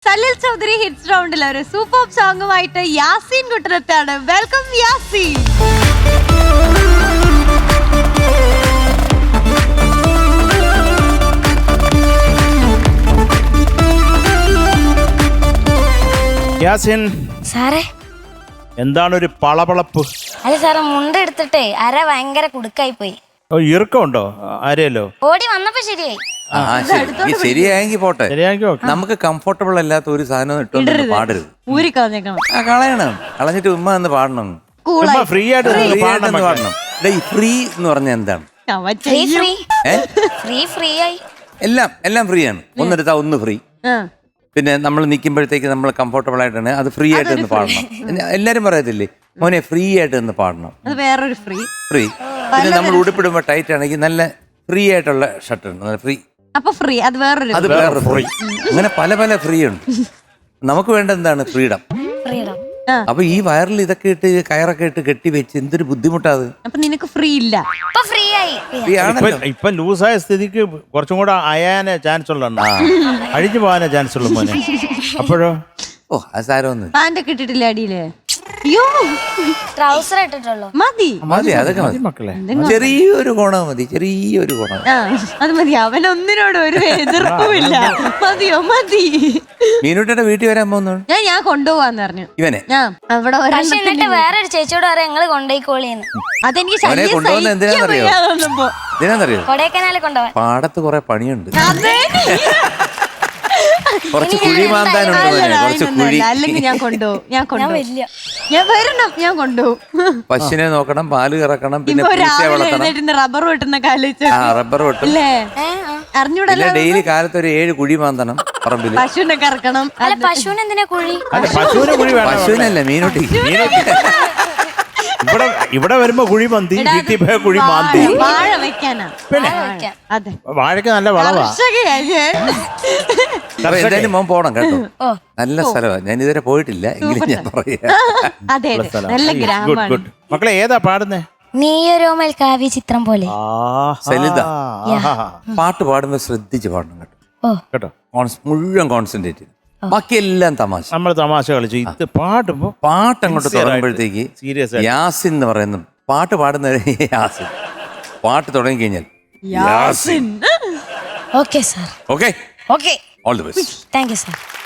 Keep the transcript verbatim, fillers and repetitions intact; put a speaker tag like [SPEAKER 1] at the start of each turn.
[SPEAKER 1] Salil Chaudhary hits റൗണ്ടിൽ ഒരു super സോങ്ങുമായിട്ട് യാസീൻ കുട്ടനത്താണ്. വെൽക്കം യാസീൻ.
[SPEAKER 2] യാസീൻ
[SPEAKER 3] സാറേ,
[SPEAKER 2] എന്താണ് ഒരു പളപളപ്പ്?
[SPEAKER 3] അല്ല സാറേ, മുണ്ട എടുത്തിട്ടേ അര ഭയങ്കര കുടുക്കായി പോയി.
[SPEAKER 2] ഓ, ഇറുക്കമുണ്ടോ ആരെയല്ലോ?
[SPEAKER 3] ഓടി വന്നപ്പോ ശരിയായി.
[SPEAKER 4] ആ, ശരി. ഈ ശരിയായെങ്കിൽ പോട്ടെ.
[SPEAKER 2] ശരിയാക്കി നോക്ക്.
[SPEAKER 4] നമുക്ക് കംഫർട്ടബിൾ അല്ലാത്ത ഒരു സാധനം ഇട്ടൊന്നും പാടരുത്.
[SPEAKER 1] ഊരി കളഞ്ഞേക്കണം.
[SPEAKER 4] ആ, കളയണം. കളഞ്ഞിട്ട് ഉമ്മ എന്ന് പാടണം.
[SPEAKER 2] ചുമ്മാ ഫ്രീ ആയിട്ട്
[SPEAKER 4] ഫ്രീ
[SPEAKER 2] നിന്ന്
[SPEAKER 4] ആയിട്ടൊന്ന്
[SPEAKER 2] പാടണം.
[SPEAKER 4] പാടണം. ഡേ, ഈ ഫ്രീ എന്ന് പറഞ്ഞാൽ എന്താണ്?
[SPEAKER 3] ഫ്രീ ഫ്രീ
[SPEAKER 4] ഏ
[SPEAKER 3] ഫ്രീ ഫ്രീ ആയി.
[SPEAKER 4] എല്ലാം എല്ലാം ഫ്രീ ആണ്. ഒന്നെടുത്താ ഒന്ന് ഫ്രീ.
[SPEAKER 1] ആ.
[SPEAKER 4] പിന്നെ നമ്മൾ നിൽക്കുമ്പോഴത്തേക്ക് നമ്മൾ കംഫർട്ടബിൾ ആയിട്ടാണ് അത് ഫ്രീ ആയിട്ട് ഒന്ന് പാടണം. എല്ലാരും പറയത്തില്ലേ മോനെ ഫ്രീ ആയിട്ട് ഒന്ന് പാടണം.
[SPEAKER 1] അത് വേറൊരു ഫ്രീ.
[SPEAKER 4] ഫ്രീ. പിന്നെ നമ്മൾ ഉടുപ്പിടുമ്പോൾ ടൈറ്റ് ആണെങ്കിൽ നല്ല ഫ്രീ ആയിട്ടുള്ള ഷർട്ട് ഉണ്ട്, നല്ല ഫ്രീ.
[SPEAKER 1] അപ്പൊ ഫ്രീ അത് വേറൊരു
[SPEAKER 4] അത് വേറെ ഫ്രീ. അങ്ങനെ പല പല ഫ്രീ ഉണ്ട്. നമുക്ക് വേണ്ട എന്താണ്? ഫ്രീഡം.
[SPEAKER 3] ഫ്രീഡം.
[SPEAKER 4] അപ്പൊ ഈ വയറിൽ ഇതൊക്കെ ഇട്ട് കയറൊക്കെ ഇട്ട് കെട്ടി വെച്ച് എന്തൊരു ബുദ്ധിമുട്ടാത്.
[SPEAKER 1] അപ്പൊ നിനക്ക് ഫ്രീ ഇല്ല.
[SPEAKER 3] ഇപ്പൊ ഫ്രീ ആയി.
[SPEAKER 4] ഫ്രീ ആണല്ലോ.
[SPEAKER 2] ഇപ്പൊ- ഇപ്പൊ ലൂസായ സ്ഥിതിക്ക് കുറച്ചും കൂടെ അയാനേ ചാൻസ് ഉള്ള അഴിഞ്ഞു പോകാനേ ചാൻസ് ഉള്ളു മോനെ. അപ്പോഴോ?
[SPEAKER 4] ഓ, അത് സാരമൊന്നും
[SPEAKER 1] പാന്റ് ഒക്കെ ഇട്ടിട്ടില്ല അടിയില്? അയ്യോ,
[SPEAKER 3] ട്രൗസർ ഇട്ടിട്ടുള്ളൂ.
[SPEAKER 1] മതി
[SPEAKER 4] മതി. അതൊക്കെ മതി
[SPEAKER 2] മക്കളെ,
[SPEAKER 4] ചെറിയൊരു ഗുണം മതി. ചെറിയൊരു ഗുണം.
[SPEAKER 1] ആ അത് മതി. അവനൊന്നിനോട് ഒരു എതിർപ്പുമില്ല. മതിയോ? മതി.
[SPEAKER 4] മീനുട്ടിയുടെ വീട്ടിൽ വരാൻ പോകുന്നു
[SPEAKER 1] ഞാൻ ഞാൻ കൊണ്ടുപോവാന്ന് പറഞ്ഞു.
[SPEAKER 4] ഇവനെ.
[SPEAKER 1] ഞാൻ അവിടെ
[SPEAKER 3] പക്ഷെ
[SPEAKER 1] ഒരെണ്ണത്തിന്
[SPEAKER 3] എന്നിട്ട് വേറൊരു ചേച്ചിയോട് പറയാം ഞങ്ങള് കൊണ്ടുപോയിക്കോളിന്ന്.
[SPEAKER 1] അതെനിക്ക്
[SPEAKER 4] അവനെ
[SPEAKER 1] ശല്യം
[SPEAKER 4] കൊണ്ടുപോകുന്ന
[SPEAKER 1] സഹിക്കാൻ
[SPEAKER 4] എന്തിനാന്നറിയോ?
[SPEAKER 1] വയ്യാതൊന്നുമ്പോ.
[SPEAKER 4] ഇതിനാന്നറിയോ?
[SPEAKER 3] കൊടൈക്കനാലിൽ കൊണ്ടുപോവാൻ.
[SPEAKER 4] പാടത്ത് കുറെ പണിയുണ്ട്.
[SPEAKER 1] അതെ.
[SPEAKER 4] കുറച്ച് കുഴി മാന്താനുണ്ട് മോനെ.
[SPEAKER 1] അല്ലടാ,
[SPEAKER 4] കുറച്ച് കുഴി.
[SPEAKER 1] അതിനൊന്നുമല്ല. അല്ലെങ്കിൽ ഞാൻ കൊണ്ടുപോകും. ഞാൻ
[SPEAKER 3] ഞാൻ
[SPEAKER 1] കൊണ്ടുപോകും.
[SPEAKER 3] വലിയ
[SPEAKER 1] ഞാൻ വരണം. ഞാൻ കൊണ്ടുപോകും.
[SPEAKER 4] പശുവിനെ നോക്കണം, പാല് കറക്കണം, പിന്നെ
[SPEAKER 1] ഇപ്പൊ
[SPEAKER 4] പൂച്ചയെ
[SPEAKER 1] രാവിലെ
[SPEAKER 4] വളർത്തണം.
[SPEAKER 1] എഴുന്നേറ്റ് റബ്ബർ വെട്ടുന്ന കാലിച്ച്
[SPEAKER 4] ആ, റബ്ബർ വെട്ടും.
[SPEAKER 1] അല്ലേ?
[SPEAKER 3] ഏ, ആ.
[SPEAKER 1] അറിഞ്ഞൂടല്ലോ.
[SPEAKER 4] പിന്നെ ഡെയിലി കാലത്ത് ഒരു ഏഴ് കുഴി മാന്തണം പറമ്പില്.
[SPEAKER 1] പശുവിനെ കറക്കണം.
[SPEAKER 3] അല്ല, പശുവിന് എന്തിനാ കുഴി?
[SPEAKER 2] അല്ല പശുവിന് കുഴി വേണം.
[SPEAKER 4] പശുവിനല്ല, മീനുട്ടി.
[SPEAKER 2] ഇവിടെ ഇവിടെ വരുമ്പോ കുഴി മന്തി, വീട്ടിൽ പോയ കുഴി മാന്തി.
[SPEAKER 1] വാഴ- വാഴ വെക്കാനാ.
[SPEAKER 2] പിന്നെ
[SPEAKER 3] വെക്കാം.
[SPEAKER 1] അതെ.
[SPEAKER 2] വാഴയ്ക്ക് നല്ല വളവാ.
[SPEAKER 1] കർഷകയാ ഞാൻ.
[SPEAKER 4] അപ്പൊ എന്തായാലും മോൻ പോണം കേട്ടോ.
[SPEAKER 3] ഓ.
[SPEAKER 4] നല്ല സ്ഥലമാണ്. ഞാൻ ഇതുവരെ പോയിട്ടില്ല, എങ്കിലും ഞാൻ പറയാം.
[SPEAKER 1] അതെ അതെ.
[SPEAKER 2] സ്ഥലം.
[SPEAKER 1] നല്ല
[SPEAKER 2] ഗുഡ്
[SPEAKER 1] ഗ്രാമമാണ്.
[SPEAKER 2] ഗുഡ്. മക്കളെ ഏതാ പാടുന്നേ?
[SPEAKER 3] നീയൊരോമൽ കാവ്യ ചിത്രം പോലെ.
[SPEAKER 4] സലിത.
[SPEAKER 2] ആഹാ.
[SPEAKER 4] പാട്ട് പാടുമ്പോൾ ശ്രദ്ധിച്ച് പാടണം കേട്ടോ.
[SPEAKER 3] ഓ.
[SPEAKER 2] കേട്ടോ,
[SPEAKER 4] കോൺസ്- മുഴുവൻ കോൺസെൻട്രേറ്റ് ചെയ്ത്. ബാക്കിയെല്ലാം തമാശ.
[SPEAKER 2] നമ്മൾ തമാശ കളിച്ചു. ഇത് പാടുമ്പോ
[SPEAKER 4] പാട്ട് അങ്ങോട്ട്
[SPEAKER 2] Sincere ആയിട്ട്,
[SPEAKER 4] തുടങ്ങുമ്പോഴത്തേക്ക്
[SPEAKER 2] serious ആയിട്ട്.
[SPEAKER 4] യാസിൻ എന്ന് പറയുന്ന പാട്ട് പാടുന്ന യാസിൻ. പാട്ട് തുടങ്ങി കഴിഞ്ഞാൽ
[SPEAKER 1] Yasin.
[SPEAKER 3] Okay sir.
[SPEAKER 4] Okay,
[SPEAKER 3] okay,
[SPEAKER 4] all the best.
[SPEAKER 3] Thank you sir.